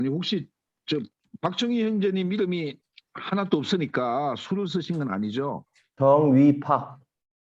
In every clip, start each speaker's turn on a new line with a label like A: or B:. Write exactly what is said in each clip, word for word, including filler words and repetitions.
A: 아니 혹시 저 박정희 형제님 이름이 하나도 없으니까 수를 쓰신 건 아니죠?
B: 정위팍.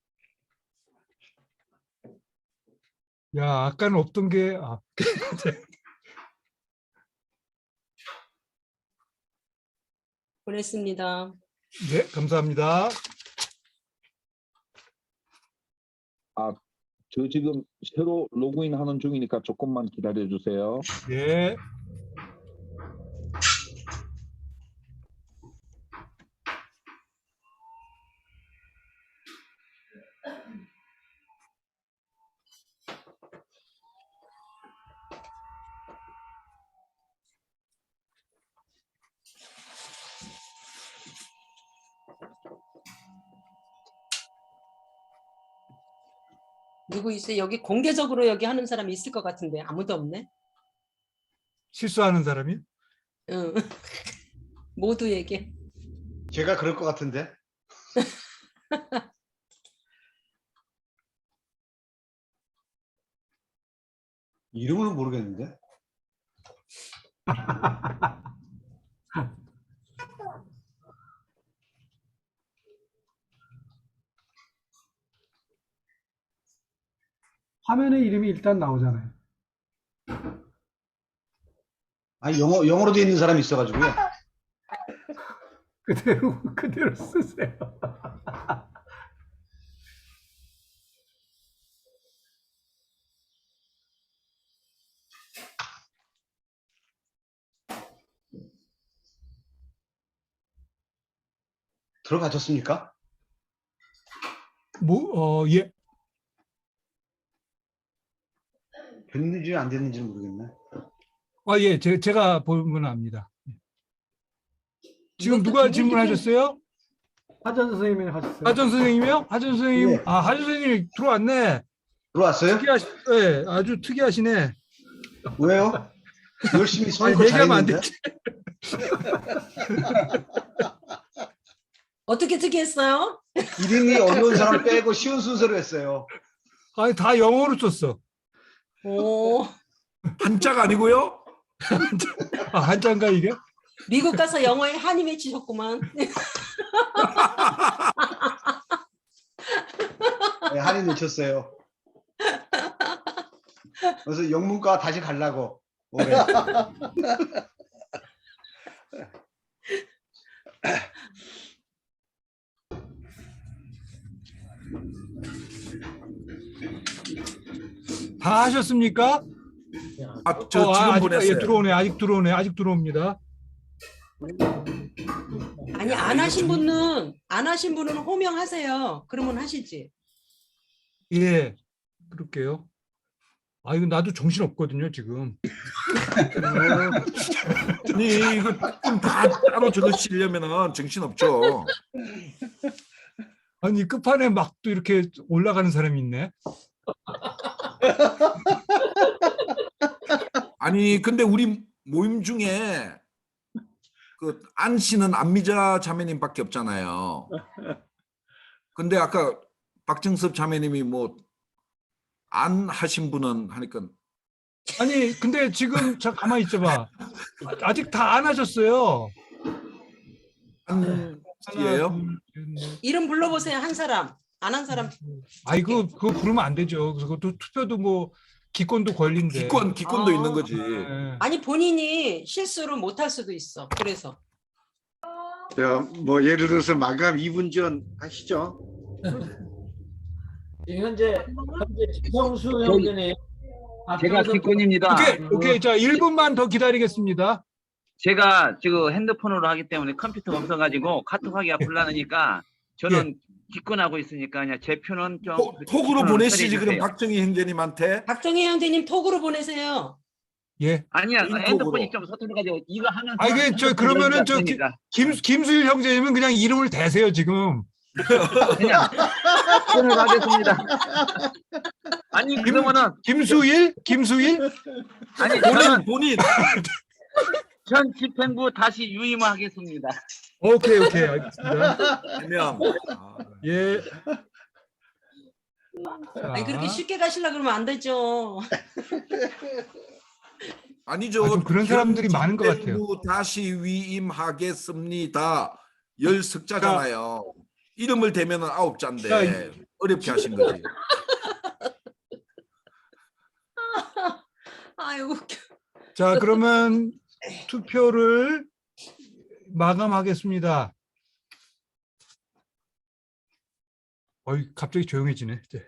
C: 야, 아까는 없던 게 아,
D: 보냈습니다.
C: 네, 감사합니다.
A: 저 지금 새로 로그인 하는 중이니까 조금만 기다려 주세요.
C: 네.
D: 누구 있어요? 여기 공개적으로 여기 하는 사람이 있을 것 같은데 아무도 없네.
C: 실수하는 사람이?
D: 응. 모두에게.
E: 제가 그럴 것 같은데. 이름을 모르겠는데.
F: 화면에 이름이 일단 나오잖아요.
E: 아니 영어 영어로 돼 있는 사람이 있어가지고요.
F: 그대로 그대로 쓰세요.
E: 들어가셨습니까?
C: 뭐, 어, 예.
E: 됐는지 안 됐는지는 모르겠네.
C: 아, 예, 제, 제가 보면 압니다. 지금
D: 이것도
C: 누가
D: 기본
C: 질문하셨어요?
F: 화전 선생님이 하셨어요.
C: 하전 선생님이요? 하전 선생님,
E: 예.
C: 아, 하전 선생님이 들어왔네.
E: 들어왔어요?
C: 특이하시, 예, 아주 특이하시네.
E: 왜요? 열심히
C: 아니,
E: 선거
C: 얘기하면 안
E: 잘했는데.
C: 되지.
D: 어떻게 특이했어요?
E: 이름이 어려운 사람 빼고 쉬운 순서로 했어요.
C: 아니, 다 영어로 썼어.
D: 오,
A: 한자가 아니고요?
C: 아, 한자인가 이게?
D: 미국 가서 영어에 한이 맺히셨구만.
E: 네, 한이 놓쳤어요. 그래서 영문과 다시 가려고 올해.
C: 다 하셨습니까?
A: 아, 저
C: 어, 아,
A: 지금
C: 아직,
A: 보냈어요.
C: 예, 들어오네. 아직 들어오네. 아직 들어옵니다.
D: 아니 안 하신 분은 안 하신 분은 호명하세요. 그러면 하시지.
C: 예, 그럴게요. 아, 이거 나도 정신 없거든요, 지금.
A: 아니 이거 좀 다 따로 적으시려면은 정신 없죠.
C: 아니, 끝판에 막 또 이렇게 올라가는 사람이 있네.
A: 아니 근데 우리 모임 중에 그 안 씨는 안미자 자매님밖에 없잖아요. 근데 아까 박정섭 자매님이 뭐 안 하신 분은 하니까
C: 아니, 근데 지금 저 가만히 있어봐. 아직 다 안 하셨어요.
A: 안
C: 하나,
A: 씨예요?
C: 둘, 셋, 넷.
D: 이름 불러보세요. 한 사람. 안 한 사람.
C: 아이, 그, 그거 부르면 안 되죠. 그래서 그것도 투표도 뭐, 기권도 권리인데.
A: 기권 기권도
D: 아.
A: 있는 거지.
C: 예.
D: 아니 본인이 실수를 못 할 수도 있어. 그래서.
G: 자, 뭐 예를 들어서 마감 이 분 전 하시죠.
H: 현재 현재 지성수 형제님.
I: 제가 기권입니다.
C: 오케이, 오케이. 자, 일 분만 더 기다리겠습니다.
I: 제가 지금 핸드폰으로 하기 때문에 컴퓨터가 없어가지고 카톡하기가 곤란하니까 저는 기권하고 있으니까 그냥 제 표는 좀
A: 톡- 톡으로
I: 기권을
A: 보내시지
I: 처리해
A: 그럼
I: 주세요.
A: 박정희 형제님한테.
D: 박정희 형제님 톡으로 보내세요.
C: 예.
I: 아니야,
A: 개인
I: 핸드폰이
A: 톡으로.
I: 좀 서툴러가지고 이거 하면
C: 아, 이게 저 그러면은 저 기- 김, 김수일 형제님은 그냥 이름을 대세요, 지금.
I: 그냥 기권을 하겠습니다. 아니 그러면은
C: 김수일? 김수일?
I: 아니
A: 본인
I: 저는
A: 본인.
I: 전 집행부 다시 유임하겠습니다.
C: 오케이, 오케이. 알겠습니다.
A: 해명. 아,
C: 예. 자,
D: 아니 그렇게 쉽게 가시려 그러면 안 되죠.
B: 아니죠.
C: 아, 좀 그런 사람들이 많은 것 같아요.
B: 전대부 다시 위임하겠습니다. 열 석자잖아요. 이름을 대면은 아홉 자인데
C: 자,
B: 어렵게 하신 거지.
D: 아유 웃겨.
C: 자, 그러면 투표를 마감하겠습니다. 어이, 갑자기 조용해지네. 이제.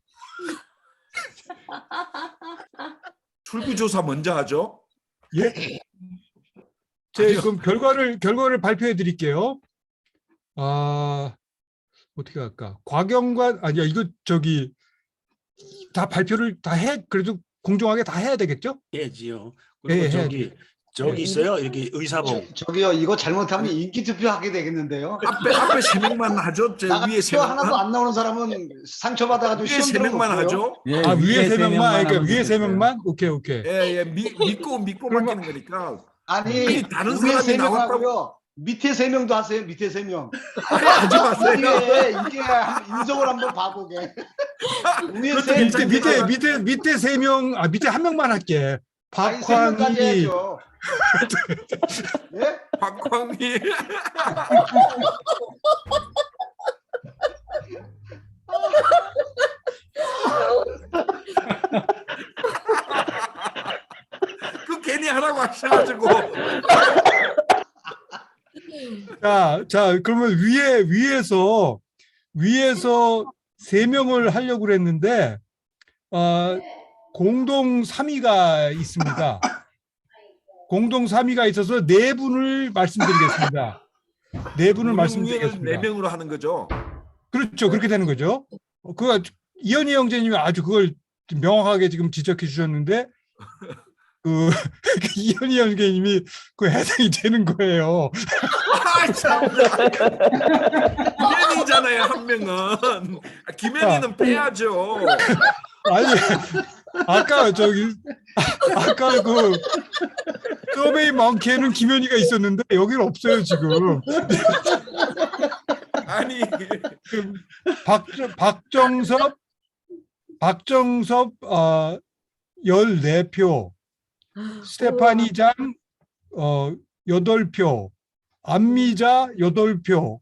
B: 출구조사 먼저 하죠.
C: 예? 제 그럼 결과를 결과를 발표해 드릴게요. 아, 어떻게 할까? 과경관 아니야, 이거 저기 다 발표를 다 해, 그래도 공정하게 다 해야 되겠죠?
J: 해야지요.
C: 예,
J: 그리고
C: 해야지.
J: 저기 저기
C: 예.
J: 있어요. 이렇게 의사봉.
E: 저, 저기요 이거 잘못하면 인기 투표 하게 되겠는데요.
B: 앞에 앞에 세 명만 하죠. 제
E: 나가
B: 위에 세
E: 투표 하나도
B: 명만.
E: 안 나오는 사람은 상처받아가지고
B: 위에
E: 시험
B: 세 명만
E: 들어놓고요.
B: 하죠.
H: 예,
C: 아, 위에 세 명만, 그러니까
H: 하면
C: 위에 세
H: 되겠어요.
C: 명만? 오케이, 오케이.
B: 예, 예. 미, 믿고 믿고
C: 그러면-
B: 맡기는 거니까.
E: 아니,
B: 아니, 다른
E: 위에
B: 사람이
E: 세 명
B: 나왔다고-
E: 하고요. 밑에 세 명도 하세요. 밑에 세 명.
B: 아니, 하지 마세요.
E: 이게 이게 한- 인성을 한번 봐보게. 위에
B: 그것도
E: 세
C: 밑에
B: 괜찮-
E: 명.
C: 밑에 밑에 밑에 세 명, 아 밑에 한 명만 할게.
E: 아니, 세 명까지
C: 박환희,
E: 해야죠. 예?
B: 박광희. 그 괜히 하라고 하셔가지고.
C: 자, 자, 그러면 위에 위에서 위에서 세 명을 하려고 그랬는데 어, 공동 삼 위가 있습니다. 공동 삼 위가 있어서 네 분을 말씀드리겠습니다. 네 분을
B: 네
C: 말씀드리겠습니다.
B: 명으로 하는 거죠.
C: 그렇죠, 그렇게 되는 거죠. 어, 그거 이현희 형제님이 아주 그걸 명확하게 지금 지적해 주셨는데 그 이현희 형제님이 그 해당이 되는 거예요.
B: 아, 참. 김현희잖아요, 한 명은. 아, 김현희는 빼야죠.
C: 아니 아까 저기 아까 그 서베이 많게는 김현희가 있었는데 여기는 없어요 지금.
B: 아니,
C: 그 박 박정섭 박정섭 어 열네 표, 스테파니 장 어 여덟 표, 안미자 여덟 표.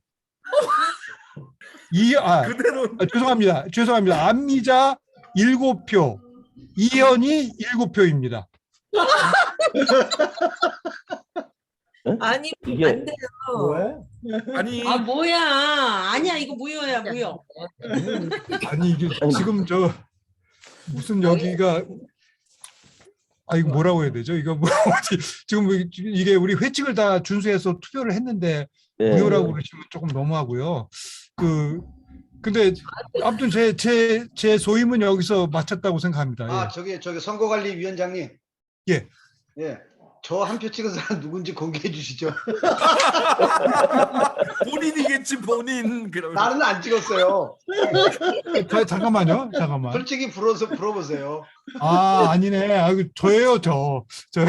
C: 이아
B: 그대로.
C: 아, 죄송합니다. 죄송합니다. 안미자 일곱 표, 이현이 일곱 표입니다.
D: 아니
H: 이게
D: 안 돼요.
H: 뭐야?
B: 아니,
D: 아 뭐야? 아니야 이거 무효야 무효.
C: 아니 이게 지금 저 무슨 여기가 아 이거 뭐라고 해야 되죠? 이거 뭐 어디 지금 뭐 이게 우리 회칙을 다 준수해서 투표를 했는데
H: 예.
C: 무효라고 그러시면 조금 너무하고요. 그 근데 아무튼 제 제 제 소임은 여기서 마쳤다고 생각합니다.
E: 아
C: 예.
E: 저기 저기 선거관리위원장님.
C: 예.
E: 예. 저 한 표 찍은 사람 누군지 공개해 주시죠.
B: 본인이겠지, 본인. 그러면.
E: 나는 안 찍었어요.
C: 자, 잠깐만요. 잠깐만.
E: 솔직히 불어서 불어보세요.
C: 아 아니네. 아 이거 저예요 저. 저.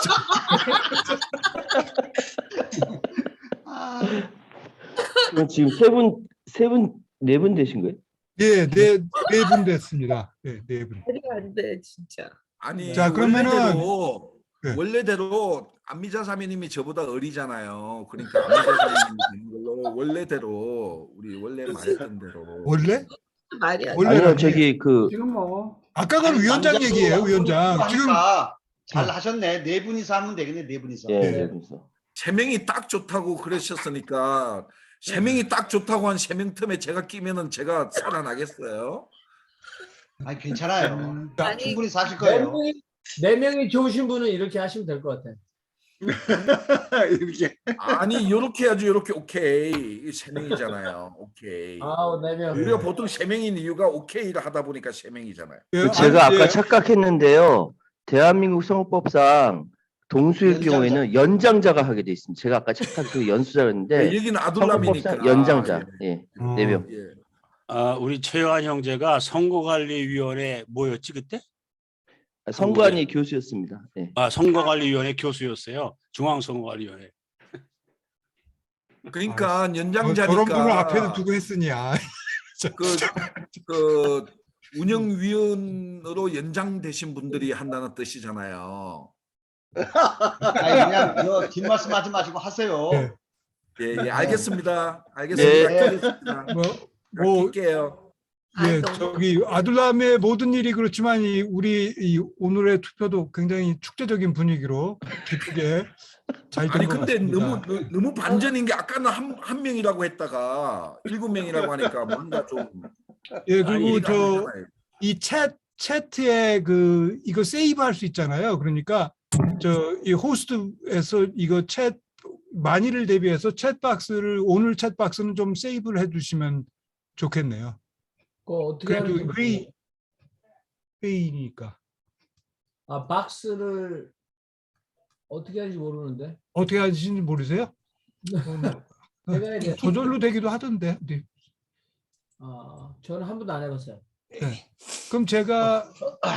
E: 아,
H: 그럼 지금 세 분, 세 분, 네 분 되신 거예요?
C: 예, 네, 네 분 됐습니다. 네, 네 분.
D: 말이 안 돼 진짜.
B: 아니,
C: 자, 그러면은-
B: 원래대로,
C: 네.
B: 원래대로 안미자 사모님이 저보다 어리잖아요. 그러니까 안미자 사모님이 되는 걸로 원래대로 우리 원래 말했던 대로.
C: 원래?
D: 말이 안 돼.
C: 원래
H: 아니요, 저기 그
F: 지금 뭐
C: 아까 건 위원장
E: 남자도
C: 얘기예요,
E: 앞으로
C: 위원장. 지금
E: 하니까 잘 하셨네. 네 분이서 하면 되겠네. 네 분이서.
H: 예,
C: 네.
H: 네, 그래서
B: 세 명이 딱 좋다고 그러셨으니까 세 명이 딱 좋다고 한 세 명 틈에 제가 끼면은 제가 살아나겠어요?
E: 아니 괜찮아요.
D: 아니,
E: 충분히 사실
H: 네
E: 거예요.
H: 명이, 네 명이 좋으신 분은 이렇게 하시면 될 것 같아요.
G: 이렇게.
B: 아니 요렇게 해야지. 요렇게 오케이. 세 명이잖아요. 오케이.
H: 아, 네 명.
B: 우리가 보통 세 명인 이유가 오케이를 하다 보니까 세 명이잖아요.
C: 예,
H: 제가
C: 아니,
H: 아까
C: 예,
H: 착각했는데요. 대한민국 선거법상 동수의
E: 연장자.
H: 경우에는 연장자가 하게 돼 있습니다. 제가 아까 착각 연수자였는데
B: 여기는 아둘람이니까.
H: 선거법상 연장자. 예,
C: 어,
H: 네 명.
B: 예.
J: 아, 우리 최요한 형제가 선거관리위원회 뭐였지 그때?
H: 선관위 교수였습니다. 예.
J: 아, 선거관리위원회 교수였어요. 중앙선거관리위원회.
B: 그러니까
C: 어,
B: 연장자니까.
C: 저런 분을 앞에도 두고 했으니 아,
B: 그, 그 운영위원으로 연장되신 분들이 한다는 뜻이잖아요.
E: 아니 그냥 저 뒷말씀하지 마시고 하세요.
C: 네.
B: 예, 예, 알겠습니다. 알겠습니다.
E: 네.
B: 끼겠습니다.
C: 뭐, 뭐
B: 낄게요.
C: 예,
D: 아이, 너무-
C: 저기 아둘람의 모든 일이 그렇지만 이 우리 이 오늘의 투표도 굉장히 축제적인 분위기로 기쁘게 잘
B: 아니
C: 된 것
B: 근데
C: 같습니다.
B: 너무 너- 너무 반전인 게 아까는 한, 한 명이라고 했다가 일곱 명이라고 하니까 뭔가 좀
C: 예, 그리고
B: 이해가 안
C: 저
B: 되잖아요.
C: 이 챗 채트에 그 이거 세이브할 수 있잖아요. 그러니까 저 이 호스트에서 이거 챗 만일을 대비해서 챗박스를 오늘 챗박스는 좀 세이브를 해두시면 좋겠네요.
K: 그거 어떻게
C: 그래도
K: 하는지
C: 회의
K: 모르겠어요.
C: 회의니까
K: 아 박스를 어떻게 하는지 모르는데.
C: 어떻게 하시는지 모르세요? 어, 뭐,
K: 해봐야 돼요.
C: 저절로 되기도 하던데. 네.
K: 아 저는 한 번도 안 해봤어요.
C: 네. 그럼 제가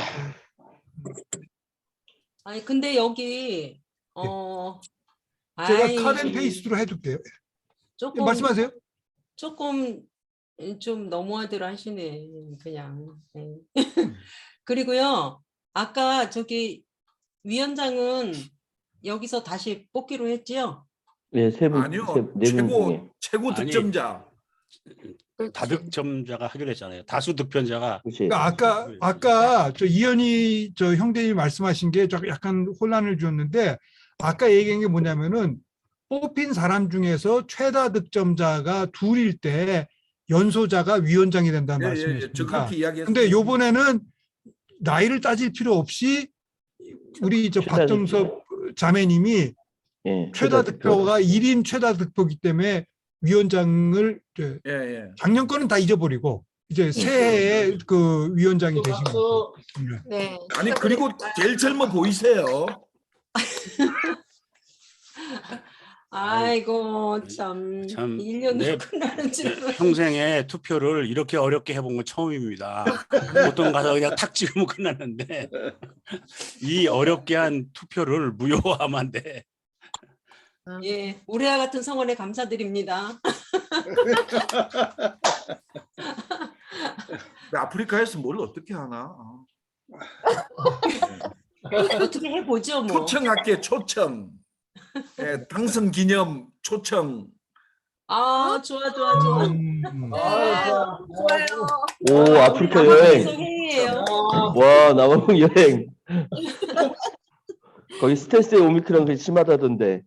D: 아니 근데 여기 어
C: 제가
D: 아이,
C: 컷앤 페이스트로 해둘게요.
D: 조금
C: 말씀하세요.
D: 조금 좀 너무하대로 하시네 그냥. 네. 그리고요 아까 저기 위원장은 여기서 다시 뽑기로 했지요?
H: 예, 세 분,
B: 아니요.
H: 세, 네분 중에.
B: 최고 최고
J: 아니.
B: 득점자.
J: 다득점자가 하기로 했잖아요. 다수 득표자가
H: 그치.
C: 그러니까 아까 아까 저 이현희 저 형제님이 말씀하신 게 좀 약간 혼란을 주었는데 아까 얘기한 게 뭐냐면은 뽑힌 사람 중에서 최다 득점자가 둘일 때 연소자가 위원장이 된다는
B: 예, 예, 예. 저
C: 말씀이십니다.
B: 그렇게 이야기했어요.
C: 근데 요번에는 나이를 따질 필요 없이 우리 저
H: 최다
C: 박정섭 자매님이
H: 예,
C: 최다
H: 득표.
C: 득표가 일 인 최다 득표기 때문에 위원장을 이제
B: 예, 예.
C: 작년 거는 다 잊어버리고 이제 새해에 그 위원장이 되신 거죠. 네.
D: 네.
B: 아니 그리고 제일 젊어 보이세요.
D: 아이고 참,
J: 참,
D: 일 년도
J: 네.
D: 끝나는 줄
J: 평생에 투표를 이렇게 어렵게 해본 건 처음입니다. 보통 가서 그냥 탁 찍으면 끝났는데 이 어렵게 한 투표를 무효화하면 안 돼.
D: 예, 우리와 같은 성원에 감사드립니다.
B: 근데 아프리카에서 뭘 어떻게 하나? 아.
D: 어떻게 해보죠 뭐.
B: 초청할게 초청. 예, 당선 기념 초청.
D: 아 좋아 좋아 좋아.
C: 음,
K: 아,
D: 좋아요.
H: 오, 아프리카 여행.
D: 회의예요.
H: 와, 남아공 여행. 거기 스텔스의 오미크론 그 심하다던데.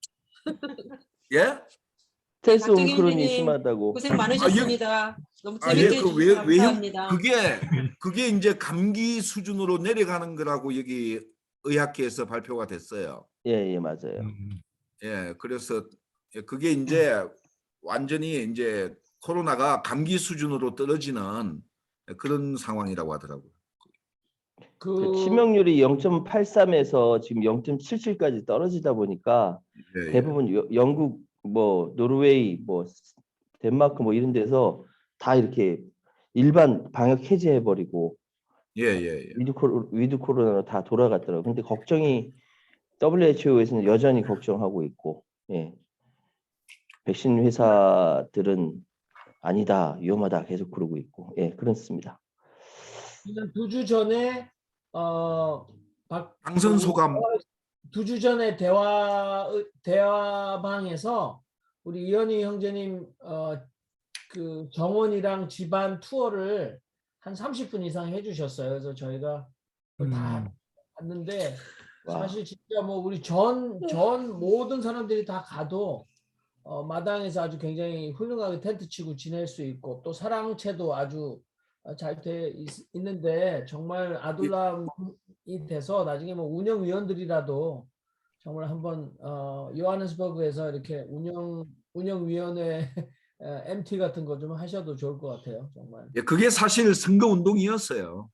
B: 예?
H: 스텔스
D: 박정희
H: 오미크론이
D: 의원님,
H: 심하다고.
D: 고생 많으셨습니다. 너무
B: 아,
D: 재밌게
B: 예, 그
D: 해주셔서
B: 외, 외형
D: 감사합니다.
B: 그게 그게 이제 감기 수준으로 내려가는 거라고 여기 의학계에서 발표가 됐어요.
H: 예, 예, 맞아요.
C: 음.
B: 예, 그래서 예, 그게 이제 완전히 이제 코로나가 감기 수준으로 떨어지는 그런 상황이라고 하더라고요.
H: 그
K: 그
H: 치명률이 영 점 팔삼에서 지금 영 점 칠칠까지 떨어지다 보니까
B: 예, 예.
H: 대부분 여- 영국, 뭐 노르웨이, 뭐 덴마크 뭐 이런 데서 다 이렇게 일반 방역 해제해 버리고
B: 예, 예, 예.
H: 위드 코로 위드 코로나로 다 돌아갔더라고요. 근데 걱정이 더블유에이치오에서는 여전히 걱정하고 있고, 예. 백신 회사들은 아니다, 위험하다 계속 그러고 있고, 예, 그렇습니다.
K: 두 주 전에 어 박,
B: 당선 소감.
K: 두 주 전에 대화 대화방에서 우리 이현희 형제님 어 그 정원이랑 집안 투어를 한 삼십 분 이상 해주셨어요. 그래서 저희가 그걸 다
C: 음.
K: 봤는데
H: 와.
K: 사실 진짜 뭐 우리 전 전 모든 사람들이 다 가도 어, 마당에서 아주 굉장히 훌륭하게 텐트 치고 지낼 수 있고 또 사랑채도 아주 잘 돼 있는데 정말 아둘람이 돼서 나중에 뭐 운영위원들이라도 정말 한번 어, 요하네스버그에서 이렇게 운영 운영위원회 엠티 같은 거 좀 하셔도 좋을 것 같아요. 정말.
B: 예, 그게 사실 선거 운동이었어요.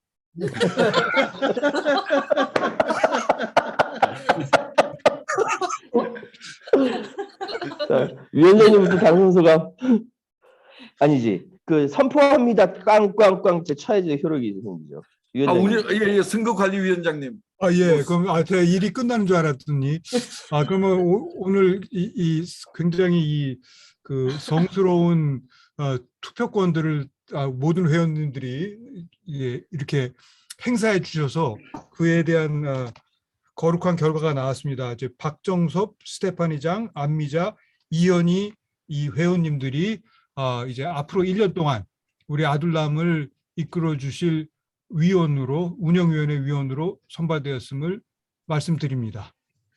H: 자, 위원장님부터 당선 소감. 아니지. 그 선포합니다. 꽝꽝꽝 제 쳐야지 효력이 생기죠.
B: 아,
H: 위원장님.
B: 운영, 예, 예, 선거관리위원장님.
C: 아, 예. 그럼 아, 제가 일이 끝나는 줄 알았더니 아, 그러면 오, 오늘 이, 이 굉장히 이 그 성스러운 어, 투표권들을 아, 모든 회원님들이 예, 이렇게 행사해 주셔서 그에 대한 어, 거룩한 결과가 나왔습니다. 이제 박정섭, 스테파니장, 안미자, 이현희 이 회원님들이 아, 이제 앞으로 일 년 동안 우리 아둘람을 이끌어 주실 위원으로 운영위원회 위원으로 선발되었음을 말씀드립니다.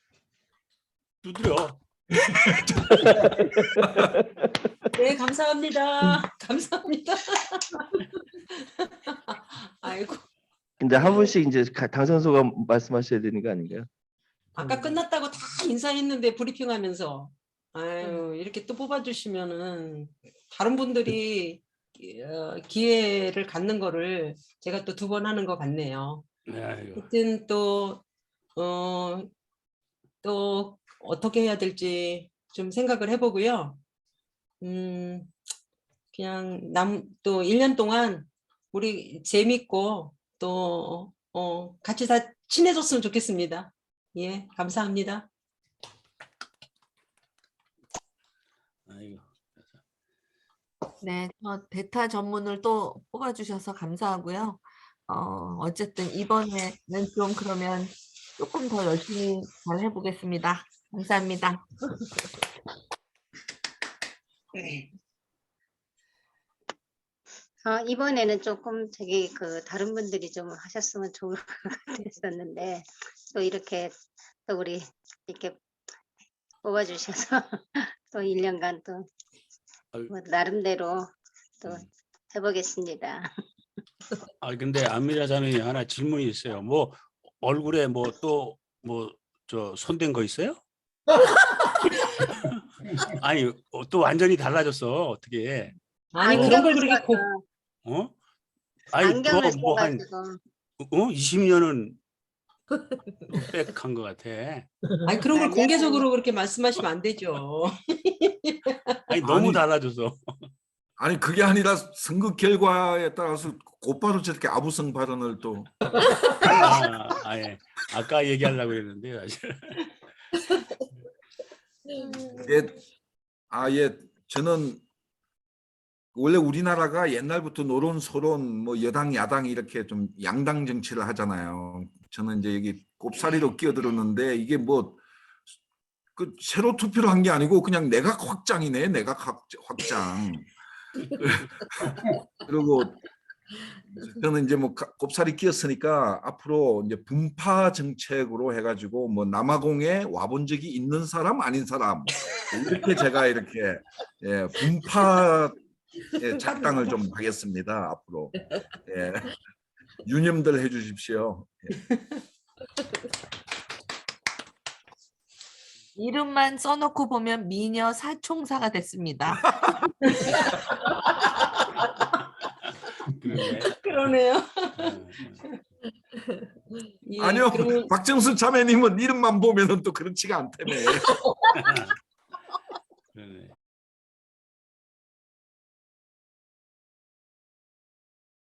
J: 두드려.
D: 네, 감사합니다. 감사합니다. 아이고,
H: 근데 한 분씩 이제 가- 당선소가 말씀하셔야 되는 거 아닌가요?
D: 아까 끝났다고 다 인사했는데 브리핑하면서 아유 이렇게 또 뽑아주시면은 다른 분들이 어, 기회를 갖는 거를 제가 또 두 번 하는 것 같네요.
J: 네, 아이고.
D: 하여튼 또 어, 또 어떻게 해야 될지 좀 생각을 해보고요. 음, 그냥 남 또 일 년 동안 우리 재밌고 또 어, 같이 다 친해졌으면 좋겠습니다. 예, 감사합니다.
J: 아이고.
L: 네, 저 베타 전문을 또 뽑아주셔서 감사하고요. 어, 어쨌든 이번에는 좀 그러면 조금 더 열심히 잘 해보겠습니다. 감사합니다.
M: 어, 이번에는 조금 저기 그 다른 분들이 좀 하셨으면 좋을 것 같았었는데 또 이렇게 또 우리 이렇게 뽑아주셔서 또 일 년간 또 뭐 나름대로 또 해보겠습니다.
J: 아 근데 안미라 자매님 하나 질문이 있어요. 뭐 얼굴에 뭐 또 뭐 저 손댄 거 있어요? 아니 어, 또 완전히 달라졌어 어떻게?
D: 아니 그런 걸 그렇게 고,
J: 어? 아니
M: 안경을
J: 뭐한
M: 써가지고
J: 어? 이십 년은 빽한 것 같아.
D: 아니 그런 걸 공개적으로 그렇게 말씀하시면 안 되죠.
J: 아니 너무
B: 아니,
J: 달라져서.
B: 아니 그게 아니라 선거 결과에 따라서 곧바로 저렇게 아부성 발언을 또
J: 아, 아, 예. 아까 얘기하려고 했는데 사실.
B: 예, 아예 저는 원래 우리나라가 옛날부터 노론 소론 뭐 여당 야당 이렇게 좀 양당 정치를 하잖아요. 저는 이제 여기 꼽사리로 끼어들었는데 이게 뭐 그 새로 투표를 한 게 아니고 그냥 내각 확장이네. 내각 확- 확장. 그리고 저는 이제 뭐 가- 꼽사리 끼었으니까 앞으로 이제 분파 정책으로 해가지고 뭐 남아공에 와본 적이 있는 사람 아닌 사람 이렇게 제가 이렇게 예, 분파 예, 작당을 좀 하겠습니다 앞으로. 예. 유념들 해주십시오. 예.
L: 이름만 써놓고 보면 미녀 사총사가 됐습니다.
J: 그러네.
D: 그러네요. 예,
B: 아니요,
D: 그러면
B: 박정수 자매님은 이름만 보면은 또 그렇지가 않다며.